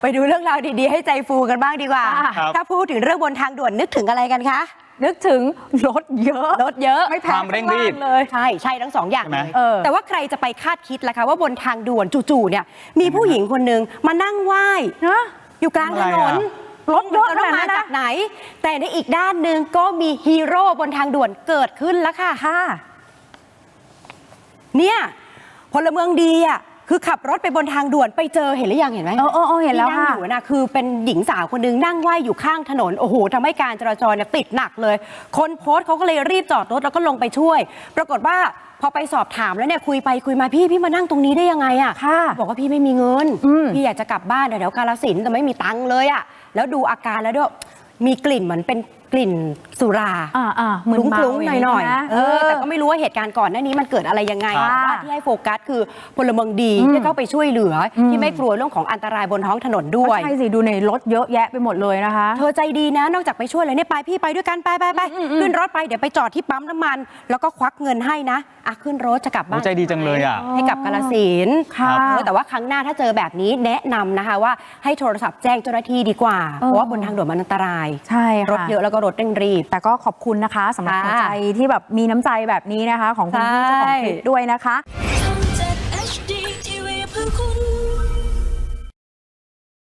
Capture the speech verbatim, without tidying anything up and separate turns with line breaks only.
ไปดูเรื่องราวดีๆให้ใจฟูกันบ้างดีกว่าถ้าพูดถึงเรื่องบนทางด่วนนึกถึงอะไรกันคะ
นึกถึงรถเยอะ
รถเยอะ
ไม่แพ้
ความเร่งรีบ
เลย
ใช่ใช่ทั้งสองอย่างเลย
แต่
ว่าใครจะไปคาดคิดล่ะคะว่าบนทางด่วนจู่ๆเนี่ยมีผู้หญิงคนนึงมานั่งไหว้อยู่กลางถนน
รถเยอะ
จะมาจากไหนแต่ในอีกด้านหนึ่งก็มีฮีโร่บนทางด่วนเกิดขึ้นแล้วค่ะเนี่ยพลเมืองดีอ่ะคือขับรถไปบนทางด่วนไปเจอเห็นหรือยังเห็นไหม
เออเออเห็นแล้วค่ะ
ที่นั่งอยู่นะคือเป็นหญิงสาวคนนึงนั่งไหว้อยู่ข้างถนนโอ้โหทำให้การจราจรเนี่ยติดหนักเลยคนโพสต์เขาก็เลยรีบจอดรถแล้วก็ลงไปช่วยปรากฏว่าพอไปสอบถามแล้วเนี่ยคุยไปคุยมาพี่พี่มานั่งตรงนี้ได้ยังไงอ่ะบอกว่าพี่ไม่มีเงินพี่อยากจะกลับบ้านแถวกาฬสินธุ์แต่ไม่มีตังค์เลยอ่ะแล้วดูอาการแล้วด้วยมีกลิ่นเหมือนเป็นกลิ่นสุรา
ค
ลุ้งๆหน่อยๆเออแต่ก็ไม่รู้ว่าเหตุการณ์ก่อนหน้านี้มันเกิดอะไรยังไงว่าที่ให้โฟกัสคือพลเมืองดีที่เข้าไปช่วยเหลือที่ไม่กลัวเรื่องของอันตรายบนท้องถนนด้วย
ใช่สิดูในรถเยอะแยะไปหมดเลยนะคะ
เธอใจดีนะนอกจากไปช่วยเลยเนี่ยไปพี่ไปด้วยกันไปไปไปขึ้นรถไปเดี๋ยวไปจอดที่ปั๊มน้ำมันแล้วก็ควักเงินให้นะอ่ะขึ้นรถจะกลับบ้าน
ใจดีจังเลยอ่ะ
ให้กับกาฬสินธุ์แต่ว่าครั้งหน้าถ้าเจอแบบนี้แนะนำนะคะว่าให้โทรศัพท์แจ้งเจ้าหน้าที่ดีกว่าเพราะว่าบนทางด่วนมันอันตราย
ใช่
รถเยอะแล้วก็รถเร่งรีบ
แต่ก็ขอบคุณนะคะสำหรับหัวใจที่แบบมีน้ำใจแบบนี้นะคะของคุณพี่เจ้าของคลิปด้วยนะคะ